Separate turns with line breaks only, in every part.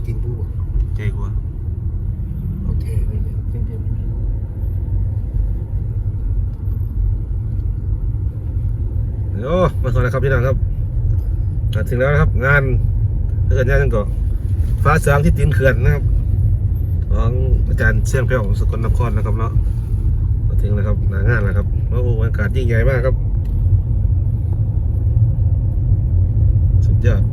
กินดู
ใจกว่า
โอเคเลยเต็ม
โอ้มาสวัสดีครับพี่น้องครับถึงแล้วนะครับงานเขื่อนย่างก่อฟ้าสางที่ตีนเขื่อนนะครับของอาจารย์เสี่ยงแพ้วสกลนครนะครับเนาะมาถึงแล้วครับหน้างานแล้วครับโอ้โหอากาศยิ่งใหญ่มากครับสุดยอด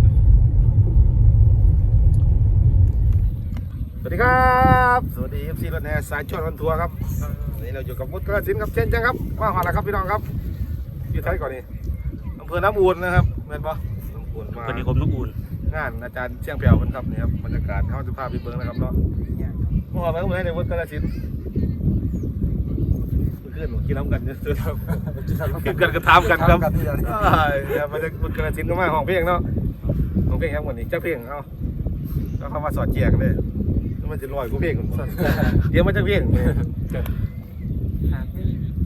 สวัสดีครับสวัสดี FC รถแห่สายชวนวันทัวร์ครับวันนี้เราอยู่กับมุดกระสินครับเช่นจังครับมาหอดแล้วครับพี่น้องครับอยู่ไทยก่อนนี่อำเภอน้ำอูนนะครับเห็นปะน้ำอูนมา
เป็นนิคมน้ำอุ่น
งานอาจารย์เชียงแผ่วมันครับนี่ครับบรรยากาศเขาจะพาไปเบิ้งนะครับเนาะเมื่อวานไปก็เหมือนในมุดกระสินเพื่อนกินน้ำกันเยอะสุดครับกินกันกระทำกันครับมันจะมุดกระสินก็มาห้องเพลงเนาะห้องเพลงครับวันนี้เจ้าเพลงเอาแล้วเขามาสอดแจกเลยมันจะลอยกูเพลงคนเดี๋ยวมันจะเพลง
หาพี่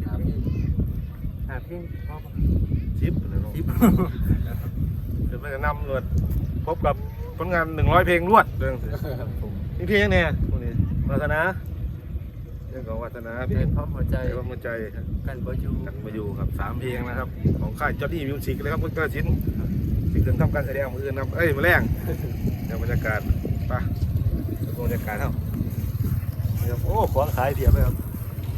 ชิปเลยเนาะเดี๋ยวมันจะนำรวดพบกับผลงาน100 เพลงรวดเรื่องนี่เพลงเนี่ยพวกนี้วาสนาเรื่องของวาสนาเพลง
พร้อมหัวใจ
พร้อมหัวใจ
กันมาอยู่
ครับ3 เพลงนะครับของค่ายจอร์ดี้มิวสิกเลยครับพุทธศิลป์ที่เกินทำการแสดงมืออื่นครับมาแรงเดี๋ยวบรรยากาศป่ะบรรยากาศเท่าโอ้ของขายเทียบเลยครับ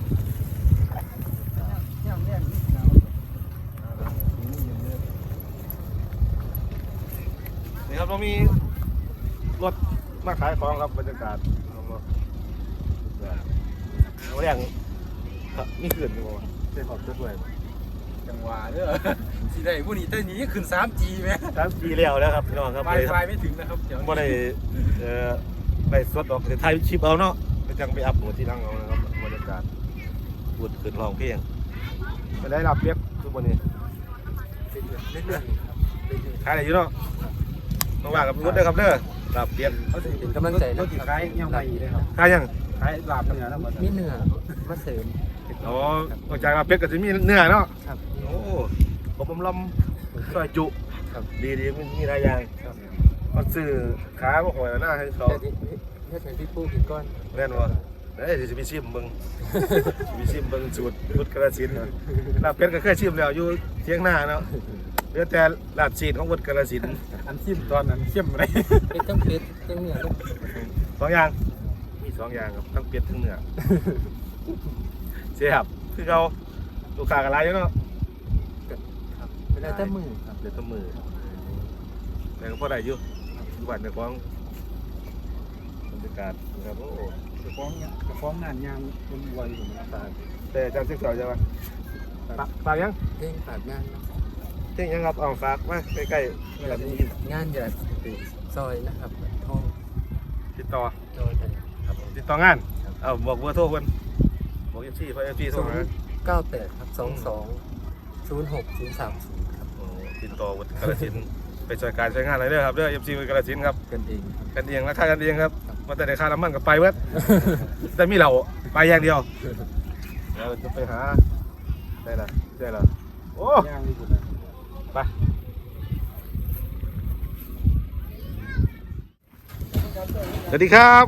นี่ครับเรามีรถมาขายของครับบรรยากาศเราแรงนี่ขึ้นดีกว่าเส้นขอบด้วย
จังหวะเด้อสิได้ผู้นี้เต้นนี้ขึ้น 3G ไหม
3G แล้วครับพี่น้องครับ
ไฟไม่ถึงนะครับเดี๋ยว
ไม่ได้สดออกแต่ไทยชิปเอาเนาะไปจังไปอัพหัวที่นั่งเอานะครับบรรยากาศพูดขึ้นร้องเพลงไปได้รับเปียกทุกวันนี้
เรื่อย
ขายอะไรอยู่เนาะต้องว่ากับรถได้ครับเด้อรับเปียก
เขาจะเป็นกำลังใจ
รถที่ขายยังไปเลยครับขายลาบเนื้อแล้ว
มีเนื้อมาเสริม
อ๋อจากรับเปียกก็จะมีเนื้อเนาะโอ้ผมลำซอยจุดีมีหลายอย่างเขาซื้อขาพวกหอยหน้าให้เขา
แค่ที่ปูกินก้อน
แน่นวะเดี๋ยวจะไปชิมเบิ้งสูตรพุทธกระสินลาบเป็ดก็เคยชิมแล้วอยู่เที่ยงหน้าเนาะเหลือแต่ลาบจีนของพุทธกระสิน
อันชิมตอนนั้นเข้มอะไรเป็ดทั้งเนื้อ
2 อย่างมี2 อย่างครับทั้งเป็ดทั้งเนื้อเสียบคือเขาลูกค้ากันไรอยู่เนาะ
เวลาแต่มือ
แต่ก็พอได้อยู่ทุกวันจะฟ้องบรรยากาศนะครับโอ้
จะฟ้องงานยามคนวัยของตา
แต่อาจารย์ศึกษาใช่ไหมฝากยัง
เพลงฝากงาน
เพลงยังครับเอาฝากมาใกล้ๆแบบนี้
งานจะซอยนะครับทอง
ติดต่อติดต่องานเอาบอกเบอร์โทรคนบอกเอฟซีเพราะเอฟซีโทรมา
98ครับ2206 030ครับ
ติดต่อวุฒิกาฬสินธุ์ไปช่วยการใช้งานอะไรเด้อครับเด้อเอฟซีวุฒิกาฬสินธุ์ครับ
กันเอง
ราคากันเองครับมาแต่ในค่าน้ำมันกับไปเว้ยแต่มีเราไปอย่างเดียวเราจะไปหาได้ละโอ้ไปสวัสดีครับ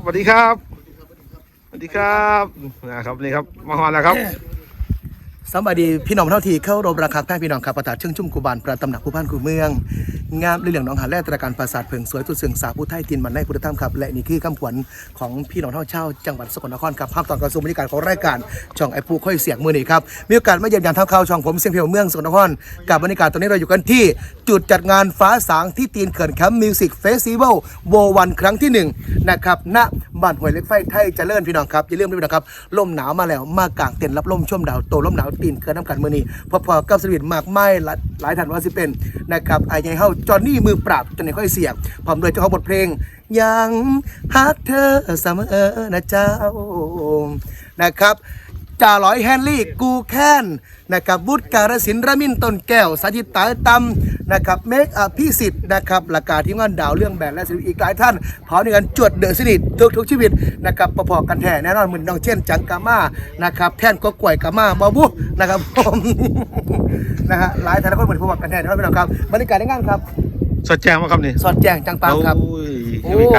นะครับนี่ครับมาฮอนแล้วครับ
สวัสดีพี่น้องเท่าทีเข้ารบราคาใต้พี่น้องครับประตาเชิงชุ่มกูบานประตำหนักผู้พันกูเมืองงามเรื่องน้องหาแร่ตระการปราสาทเพิงสวยตุดเสืองสาผู้ไทยตินมันในพุทธธรรมครับและนี่คือคำขวัญของพี่น้องเท่าเช่าจังหวัดสกลนครครับภาพตอนกระทรวงบรรยากาศของรายการช่องไอปูค่อยเสียงมือนี่ครับมีโอกาสมาเยี่ยมยามทำข่าวช่องผมเสียงเพียวเมืองสกลนครกับบรรยากาศตอนนี้เราอยู่กันที่จุดจัดงานฟ้าสางที่ตีนเขื่อนแคมป์มิวสิกเฟสติวัลโววันครั้งที่1นะครับณบ้านห้วยเล็กไฟไทยเจริญพี่น้องครับอย่าลืมด้วยนะครับลมหนาวมาแล้วมากางเต็นท์รับลมชมดาวโตลมหนาวตีนเขื่อนน้ำกันมือนี้พอๆกับสวิตมากไม่หลายท่านว่าสิเป็นนะครับไอ้ไงเฮาจอห์นนี่มือปราบจนไหนค่อยเสียงพร้อมด้วยเจ้าของบทเพลงยังฮักเธอเสมอนะเจ้านะครับจ่าลอยแฮนลี่กูแค้นนะครับบุตรการศิลป์ระมินต้นแก้วสาธิตตาตำนะครับเมคอภิสิทธิ์นะครับหลักการที่งานดาวเรื่องแบนและศิลป์อีกหลายท่านพร้อมในการจวดเดือดสนิททุกชีวิตนะครับประกอบกันแท้แน่นอนเหมือนน้องเช่นจังกาม่านะครับแท่นก็กล้วยกาม่าบาบุนะครับผมนะฮะหลายท่านก็เหมือนประกอบกันแท้แน่นอนพี่น้องครับบรรยากาศในงานครับ
สอดแจ้งมาครับนี่
สอดแจ้งจังปังครับ
โอ้ยไม่ไกลเนาะ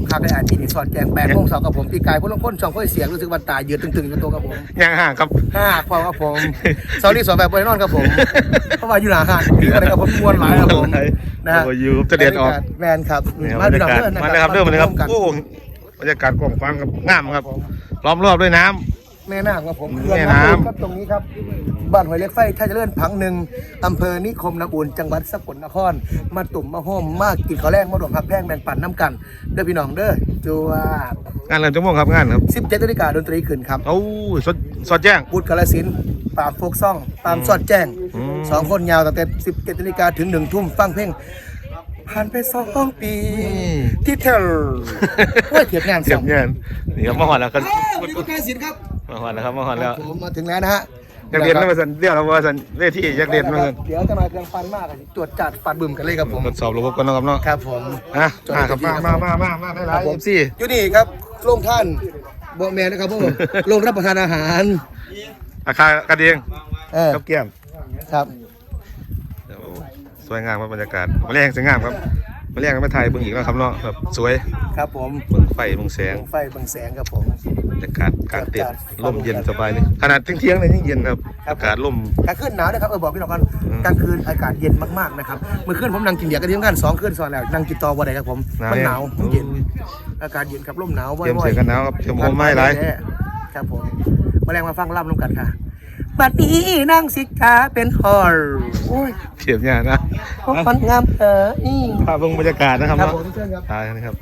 คักได้อ่านปีนี้สอดแจง8 โมงเช้ากับผมปีกายพวกลงพ้นช่องค่อยเสียงรู้สึกว่าตายืดตึงๆอยู่ตัวกับผม
ย่างห่างครับ
5 พอครับผมเสาร์นี้สอนแบบบริโนอนครับผมเพราะว่าอยู่หน้าห้างปีอะไรครับผมมวนหลายครับผมนะฮะ
โอ้ยูจะเด็ดออก
แมนครับ
บรรยากาศมาเลยครับเริ่มเลยครับโอ้บรรยากาศกว้างขวางครับงามครับล้อมรอบด้วยน้ำ
แม่น้ำครับผม
แม่น้ำ
ครับตรงนี้ครับบ้านหอยเล็กไฟท่าเจริญพังหนึ่งอำเภอนิคมน้ำอุ่นจังหวัดสกลนครมาตุ่มมาห้อมมากินข้าวแรงมาดมพักแพงแบ่งปันน้ำกันเด้อพี่น้องเด้อจัว
งานเริ่มจะม่วงครับงานครับ
17 นาฬิกาดนตรีขึ้นครับ
โอ้สดแจ้ง
บุตรกาลสินธุ์ปราบโฟกซ่องตามสอดแจ้ง
อืม
2 คนยาวตั้งแต่ 17 นาฬิกาถึง 1 ทุ่มฟังเพลงผ่านไป2 ปีที่เทลโอ้ยเทียบงาน
เสียบเงินนี่ครับมาหอนแล้วกัน
วันนี้ก็กาลสินธุ์ครับ
มาหอนแล้วครับมาหอนแล้ว
ผมมาถึงแล้วนะฮะ
อยากเรียนแล้วมาสันเรียกเราว่าสันเวทีอยากเรียนมาสัน
เดี๋ยวจะมาเครื่องฟันมากอะตรวจจัดฟันบึมกันเลยครับผม
ทดสอบระบบกันนะครับเนาะ
ครับผม
อ่ะครับมาได้หลายMC
อยู่นี่ครับโรงท่านโบแมนนะครับผมโรงรับประทานอาหาร
อาคารกระเดียง กับแก้ม
ครับ
สวยงามครับบรรยากาศมาแรงสวยงามครับมาแรงก็มาถ่ายเบิ่งอีกแล้วครับเนาะแบบสวย
ครับผม
เบิ่งไฟเบิ่งแสง
ไฟบางแสงครับผม
บรรยากาศกลางเต็นท์ลมเย็นสบายเลยขนาดเที่ยงๆเลยยังเย็นครับอากาศลม
กลางคืนหนาวนะครับบอกพี่น้องกันกลางคืนอากาศเย็นมากๆนะครับเมื่อคืนผมนั่งกินเบียร์กันที่ทำงาน2 คืนซ้อนแล้วนั่งกินต่อวันไหนครับผมมันหนาวมันเย็นอากาศเย็นครับลมหนาว
เตรียมเสือกันหนาวครับเตรียมโฮมไม้หลาย
ครับผมมาแรงมาฟังล่ำร่วมกันค่ะบัดนี้นั่งสิกาเป็นฮอลโอ้ย
เทียบเนี่ยนะ
ของคนงามอี
ภาพเบิ่งบรรยากาศนะครับ
ครับ
เนาะ
ผมเชิญครับ
ถ่ายนะครับ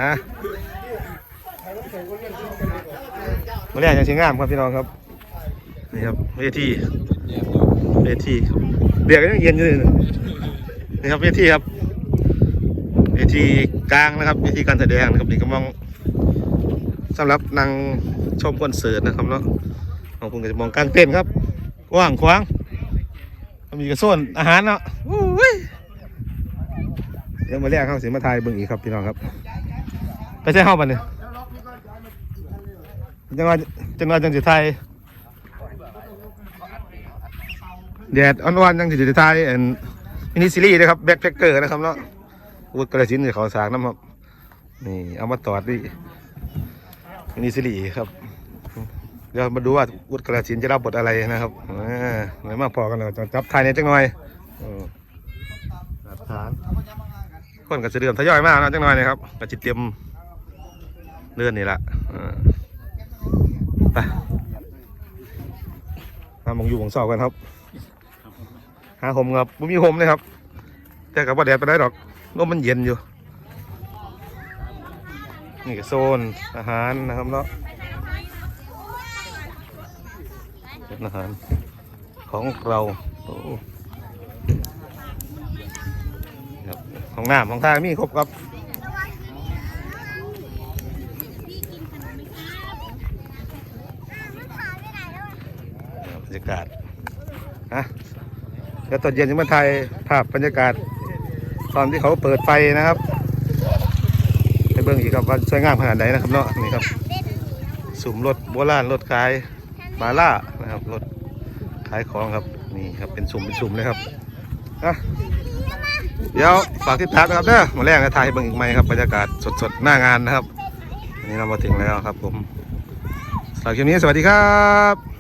มาแรงยังชิงงามครับพี่น้องครับนี่ครับเวทีเบียร์ก็ยังเย็นอยู่เลยนี่ครับเวทีครับเวทีกลางนะครับเวทีการแสดงนะครับนี่ก็มองสำหรับนั่งชมคอนเสิร์ตนะครับเนาะของคุณก็จะมองกลางเต็นท์ครับกว้างขวางมีกระโซนอาหารเนาะอุ้ยเดี๋ยวมาแรกเข้าสิมาถ่ายเบิ่งอีกครับพี่น้องครับไปใช้ห้องบันเนี่ยจังหวะจังสิไทยแดดอ่อนๆจังสิไทยมินิซีรีส์นะครับแบ็คแพคเกอร์นะครับเนาะวุฒิกระสินเขาสากน้ำครับนี่เอามาตอดดิมินิซีรีส์ครับเดี๋ยวมาดูว่าวุฒิกระสินจะรับบทอะไรนะครับไหนมาพอกันเลยจับไทยในจังหน่อยหลักฐานคนก็จะเดือมทยอยมากนะจังหน่อยนะครับก็จิตเตรียมเลื่อนนี่แหละไปมามองอยู่ของเสากันครับหาห่มครับไม่มีห่มเลยครับแต่กับว่าแดดไปได้หรอกลมมันเย็นอยู่นี่ก็โซนอาหารนะครับเนาะเป็นอาหารของเราครับของน้ำของทางมีครบครับบรรยากาศแล้วตอนเย็นจะมาถ่ายภาพบรรยากาศตอนที่เขาเปิดไฟนะครับให้เบิ่งอีกครับว่าสวยงามขนาดไหนนะครับเนาะนี่ครับสุ่มรถโบราณรถขายมาล่านะครับรถขายของครับนี่ครับเป็นสุ่มเลยครับเดี๋ยวฝากติดตามนะครับเด้อมาแรกจะถ่ายให้เบิ่งอีกไหมครับบรรยากาศสดๆหน้างานนะครับวันนี้เรามาถึงแล้วครับผมสำหรับคลิปนี้สวัสดีครับ